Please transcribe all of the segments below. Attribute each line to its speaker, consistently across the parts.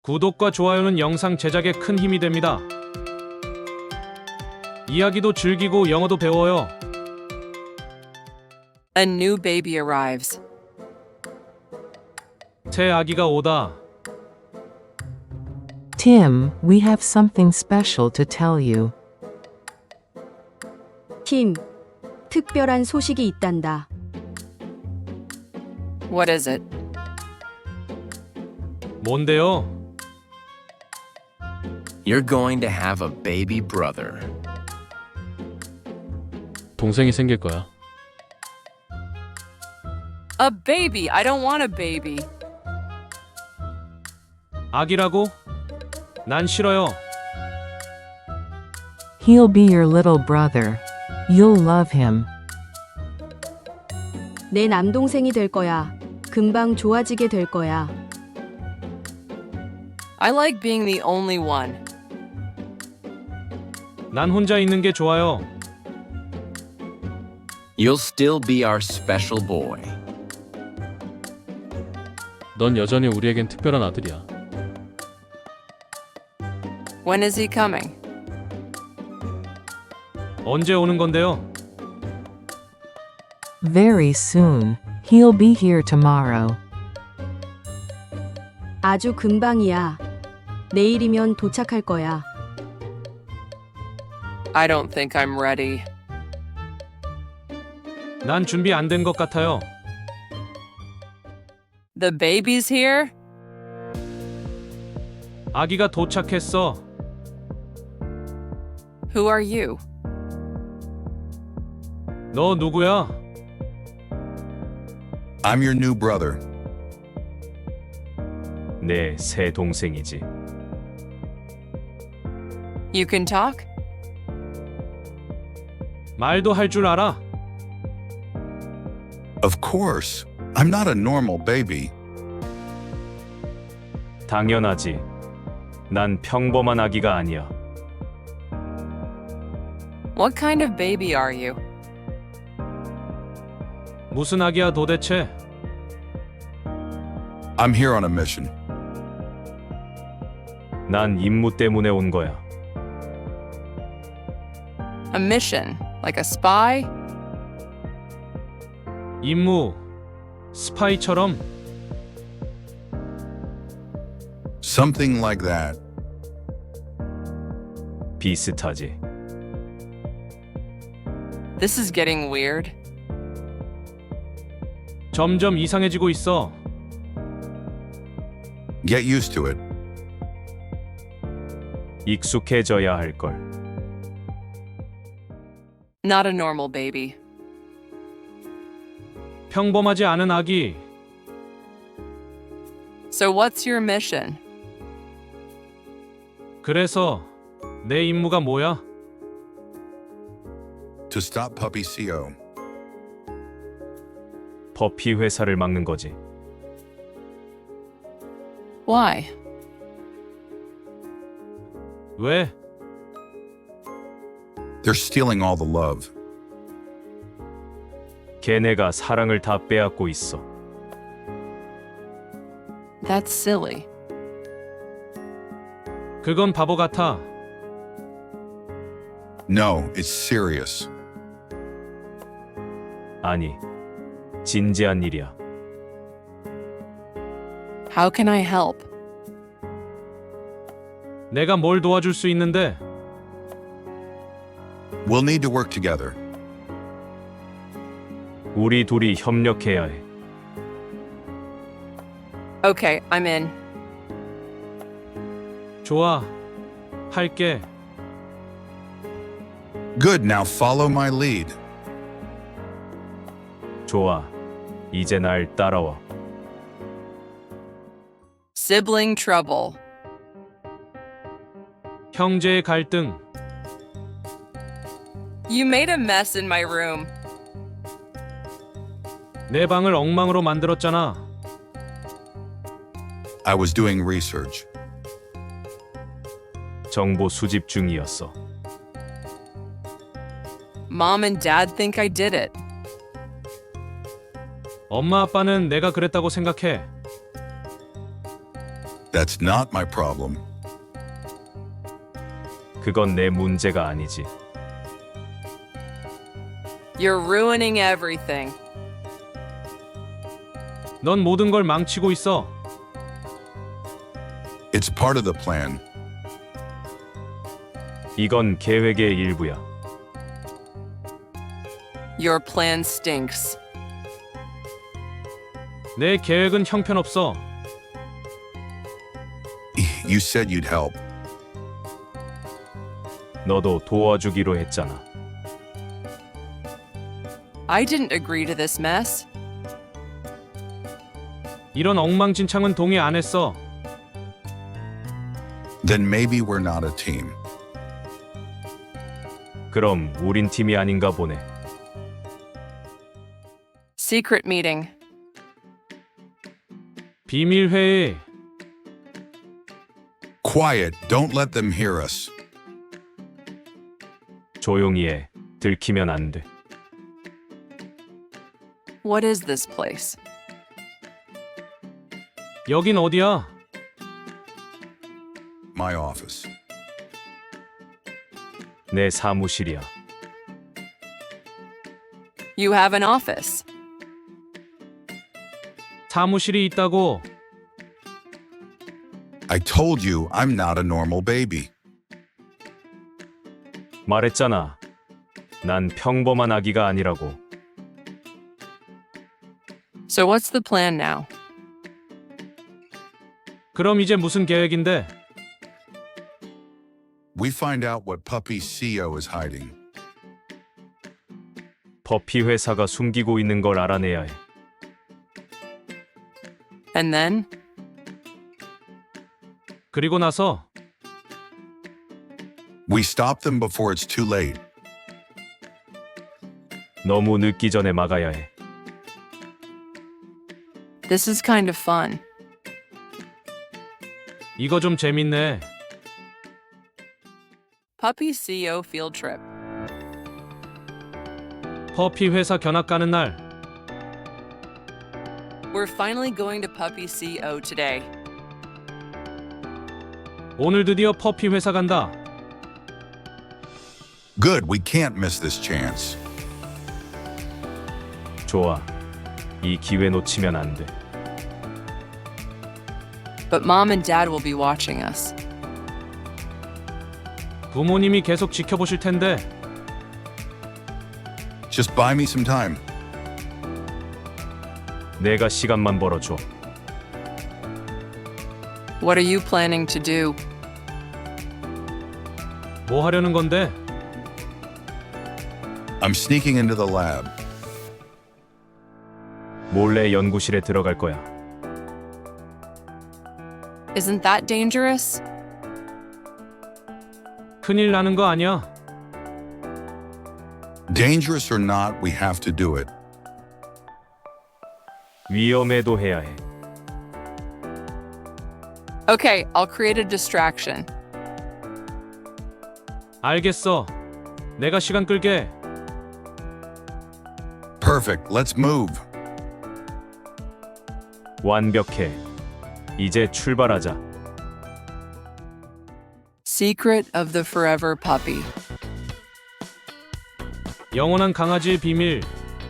Speaker 1: 구독과 좋아요는 영상 제작에 큰 힘이 됩니다. 이야기도 즐기고 영어도 배워요.
Speaker 2: A new baby arrives.
Speaker 1: 새 아기가 오다.
Speaker 3: Tim, we have something special to tell you.
Speaker 4: 팀, 특별한 소식이 있단다.
Speaker 2: What is it?
Speaker 1: 뭔데요?
Speaker 5: You're going to have a baby brother.
Speaker 6: 동생이 생길 거야.
Speaker 2: A baby! I don't want a baby.
Speaker 1: 아기라고? 난 싫어요.
Speaker 3: He'll be your little brother. You'll love him.
Speaker 4: 내 남동생이 될 거야. 금방 좋아지게 될 거야.
Speaker 2: I like being the only one.
Speaker 1: 난 혼자 있는 게 좋아요.
Speaker 5: You'll still be our special boy.
Speaker 6: 넌 여전히 우리에겐 특별한 아들이야.
Speaker 2: When is he coming?
Speaker 1: 언제 오는 건데요?
Speaker 3: Very soon. He'll be here tomorrow.
Speaker 4: 아주 금방이야. 내일이면 도착할 거야.
Speaker 2: I don't think I'm ready.
Speaker 1: 난 준비 안 된 것 같아요.
Speaker 2: The baby's here?
Speaker 1: 아기가 도착했어.
Speaker 2: Who are you?
Speaker 1: 너 누구야?
Speaker 7: I'm your new brother.
Speaker 1: 내 새 동생이지.
Speaker 2: You can talk?
Speaker 1: 말도 할 줄 알아?
Speaker 7: Of course. I'm not a normal baby.
Speaker 1: 당연하지. 난 평범한 아기가 아니야.
Speaker 2: What kind of baby are you?
Speaker 1: 무슨 아기야 도대체?
Speaker 7: I'm here on a mission.
Speaker 1: 난 임무 때문에 온 거야.
Speaker 2: A mission? Like a spy?
Speaker 1: 임무, 스파이처럼?
Speaker 7: Something like that.
Speaker 1: 비슷하지.
Speaker 2: This is getting weird.
Speaker 1: 점점 이상해지고 있어.
Speaker 7: Get used to it.
Speaker 1: 익숙해져야 할 걸.
Speaker 2: Not a normal baby.
Speaker 1: 평범하지 않은 아기.
Speaker 2: So what's your mission?
Speaker 1: 그래서 내 임무가 뭐야?
Speaker 7: To stop Puppy CO.
Speaker 1: 버피 회사를 막는 거지.
Speaker 2: Why?
Speaker 1: 왜?
Speaker 7: They're stealing all the love.
Speaker 1: 걔네가 사랑을 다 빼앗고 있어.
Speaker 2: That's silly.
Speaker 1: 그건 바보 같아.
Speaker 7: No, it's serious.
Speaker 1: 아니, 진지한 일이야.
Speaker 2: How can I help?
Speaker 1: 내가 뭘 도와줄 수 있는데?
Speaker 7: We'll need to work together.
Speaker 1: 우리 둘이 협력해야 해.
Speaker 2: Okay, I'm in.
Speaker 1: 좋아, 할게.
Speaker 7: Good, now follow my lead.
Speaker 1: 좋아, 이제 날 따라와.
Speaker 2: Sibling trouble.
Speaker 1: 형제의 갈등.
Speaker 2: You made a mess in my room.
Speaker 1: 내 방을 엉망으로 만들었잖아.
Speaker 7: I was doing research.
Speaker 1: 정보 수집 중이었어.
Speaker 2: Mom and Dad think I did it.
Speaker 1: 엄마 아빠는 내가 그랬다고 생각해.
Speaker 7: That's not my problem.
Speaker 1: 그건 내 문제가 아니지.
Speaker 2: You're ruining everything.
Speaker 1: 넌 모든 걸 망치고 있어.
Speaker 7: It's part of the plan.
Speaker 1: 이건 계획의 일부야.
Speaker 2: Your plan stinks.
Speaker 1: 내 계획은 형편없어.
Speaker 7: You said you'd help.
Speaker 1: 너도 도와주기로 했잖아.
Speaker 2: I didn't agree to this mess.
Speaker 1: 이런 엉망진창은 동의 안 했어.
Speaker 7: Then maybe we're not a team.
Speaker 1: 그럼 우린 팀이 아닌가 보네.
Speaker 2: Secret meeting.
Speaker 1: 비밀 회의.
Speaker 7: Quiet, don't let them hear us.
Speaker 1: 조용히 해. 들키면 안 돼.
Speaker 2: What is this place?
Speaker 1: 여긴 어디야?
Speaker 7: My office.
Speaker 1: 내 사무실이야.
Speaker 2: You have an office.
Speaker 1: 사무실이 있다고.
Speaker 7: I told you I'm not a normal baby.
Speaker 1: 말했잖아. 난 평범한 아기가 아니라고.
Speaker 2: So what's the plan now?
Speaker 1: 그럼 이제 무슨 계획인데?
Speaker 7: We find out what Puppy's CEO is hiding.
Speaker 1: 버피 회사가 숨기고 있는 걸 알아내야 해.
Speaker 2: And then?
Speaker 1: 그리고 나서
Speaker 7: We stop them before it's too late.
Speaker 1: 너무 늦기 전에 막아야 해.
Speaker 2: This is kind of fun.
Speaker 1: 이거 좀 재밌네.
Speaker 2: Puppy CEO field trip.
Speaker 1: 퍼피 회사 견학 가는 날.
Speaker 2: We're finally going to Puppy CEO today.
Speaker 1: 오늘 드디어 퍼피 회사 간다.
Speaker 7: Good, we can't miss this chance.
Speaker 1: 좋아. 이 기회 놓치면 안 돼.
Speaker 2: But Mom and Dad will be watching us.
Speaker 1: 부모님이 계속 지켜보실 텐데.
Speaker 7: Just buy me some time.
Speaker 1: 내가 시간만 벌어줘.
Speaker 2: What are you planning to do?
Speaker 1: 뭐 하려는 건데?
Speaker 7: I'm sneaking into the lab.
Speaker 1: 몰래 연구실에 들어갈 거야.
Speaker 2: Isn't that dangerous?
Speaker 1: 큰일 나는 거 아니야?
Speaker 7: Dangerous or not, we have to do it.
Speaker 1: 위험해도 해야 해.
Speaker 2: Okay, I'll create a distraction.
Speaker 1: 알겠어. 내가 시간 끌게.
Speaker 7: Perfect, let's move.
Speaker 1: 완벽해. 이제 출발하자.
Speaker 2: Secret of the Forever Puppy.
Speaker 1: 영원한 강아지의 비밀.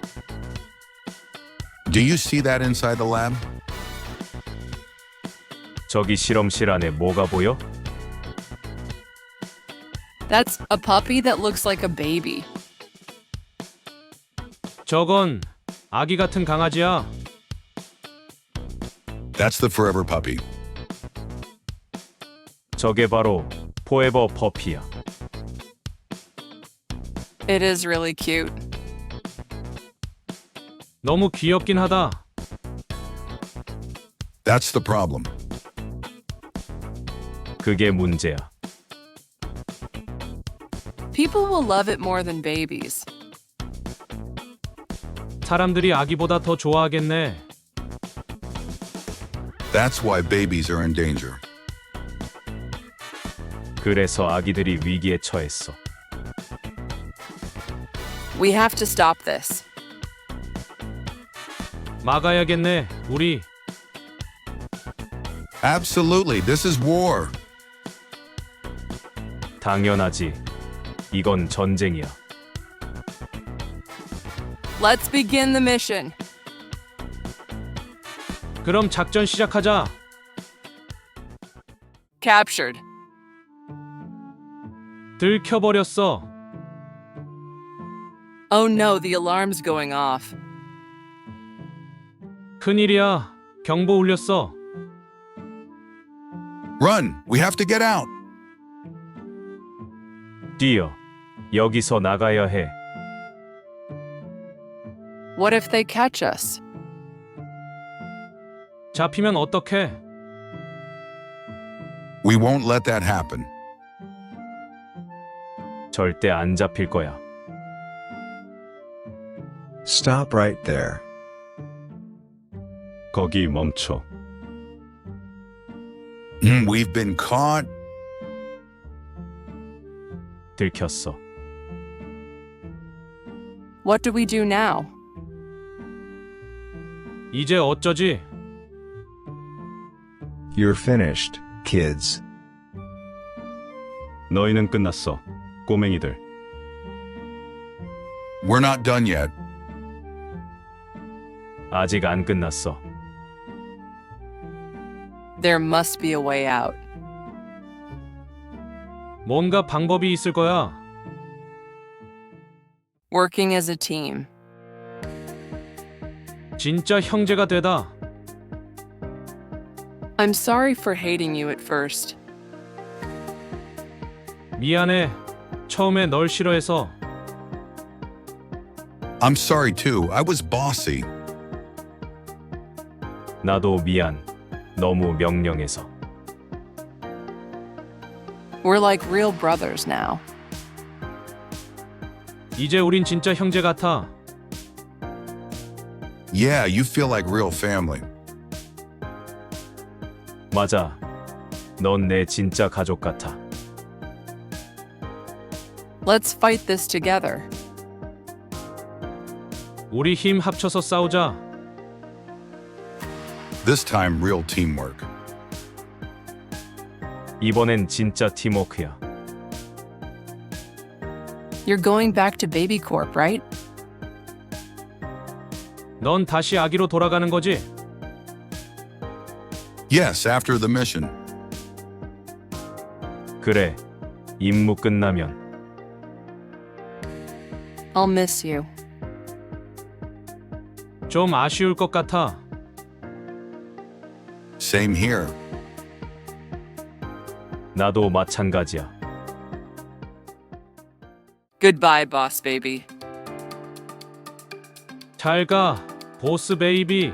Speaker 7: Do you see that inside the lab?
Speaker 1: 저기 실험실 안에 뭐가 보여?
Speaker 2: That's a puppy that looks like a baby.
Speaker 1: 저건 아기 같은 강아지야.
Speaker 7: That's the forever puppy.
Speaker 1: 저게 바로 포에버 퍼피야.
Speaker 2: It is really cute.
Speaker 1: 너무 귀엽긴 하다.
Speaker 7: That's the problem.
Speaker 1: 그게 문제야.
Speaker 2: People will love it more than babies.
Speaker 1: 사람들이 아기보다 더 좋아하겠네.
Speaker 7: That's why babies are in danger.
Speaker 1: 그래서 아기들이 위기에 처했어.
Speaker 2: We have to stop this.
Speaker 1: 막아야겠네, 우리.
Speaker 7: Absolutely, this is war.
Speaker 1: 당연하지. 이건 전쟁이야.
Speaker 2: Let's begin the mission.
Speaker 1: 그럼 작전 시작하자.
Speaker 2: Captured.
Speaker 1: 들켜버렸어.
Speaker 2: Oh no, the alarm's going off.
Speaker 1: 큰일이야. 경보 울렸어.
Speaker 7: Run, we have to get out.
Speaker 1: 뛰어. 여기서 나가야 해.
Speaker 2: What if they catch us?
Speaker 1: 잡히면 어떡해?
Speaker 7: We won't let that happen.
Speaker 1: 절대 안 잡힐 거야.
Speaker 8: Stop right there.
Speaker 1: 거기 멈춰.
Speaker 7: We've been caught.
Speaker 1: 들켰어.
Speaker 2: What do we do now?
Speaker 1: 이제 어쩌지?
Speaker 8: You're finished, kids.
Speaker 1: 너희는 끝났어. 꼬맹이들.
Speaker 7: We're not done yet.
Speaker 1: 아직 안 끝났어.
Speaker 2: There must be a way out.
Speaker 1: 뭔가 방법이 있을 거야.
Speaker 2: Working as a team.
Speaker 1: 진짜 형제가 되다.
Speaker 2: I'm sorry for hating you at first.
Speaker 1: 미안해. 처음에 널 싫어해서.
Speaker 7: I'm sorry too, I was bossy.
Speaker 1: 나도 미안. 너무 명령해서.
Speaker 2: We're like real brothers now.
Speaker 1: 이제 우린 진짜 형제 같아.
Speaker 7: Yeah, you feel like real family.
Speaker 1: 맞아. 넌 내 진짜 가족 같아.
Speaker 2: Let's fight this together.
Speaker 1: 우리 힘 합쳐서 싸우자.
Speaker 7: This time, real teamwork.
Speaker 1: 이번엔 진짜 팀워크야.
Speaker 2: You're going back to Baby Corp, right?
Speaker 1: 넌 다시 아기로 돌아가는 거지?
Speaker 7: Yes, after the mission.
Speaker 1: 그래. 임무 끝나면.
Speaker 2: I'll miss you.
Speaker 1: 좀 아쉬울 것 같아.
Speaker 7: Same here.
Speaker 1: 나도 마찬가지야.
Speaker 2: Goodbye, boss baby.
Speaker 1: 잘 가, 보스 베이비.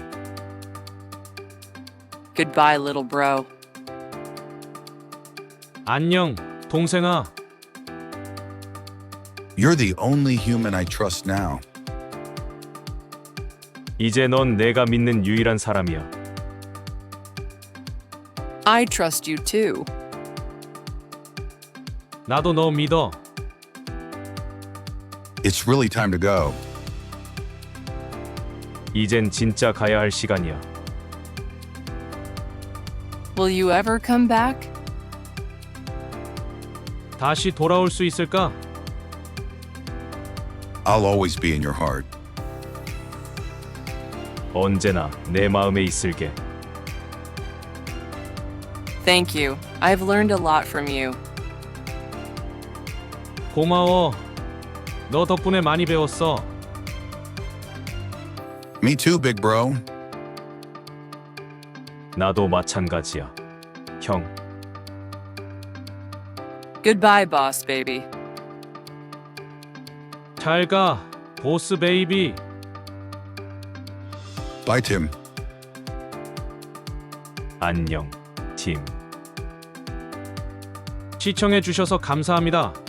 Speaker 2: Goodbye, little bro.
Speaker 1: 안녕, 동생아.
Speaker 7: You're the only human I trust now.
Speaker 1: 이제 넌 내가 믿는 유일한 사람이야.
Speaker 2: I trust you too.
Speaker 1: 나도 너 믿어.
Speaker 7: It's really time to go.
Speaker 1: 이젠 진짜 가야 할 시간이야.
Speaker 2: Will you ever come back?
Speaker 1: 다시 돌아올 수 있을까?
Speaker 7: I'll always be in your heart.
Speaker 1: 언제나 내 마음에 있을게.
Speaker 2: Thank you. I've learned a lot from you.
Speaker 1: 고마워. 너 덕분에 많이 배웠어.
Speaker 7: Me too, big bro.
Speaker 1: 나도 마찬가지야. 형.
Speaker 2: Goodbye, boss baby.
Speaker 1: 잘 가, 보스 베이비.
Speaker 7: Bye, Tim.
Speaker 1: 안녕, 팀. 시청해 주셔서 감사합니다.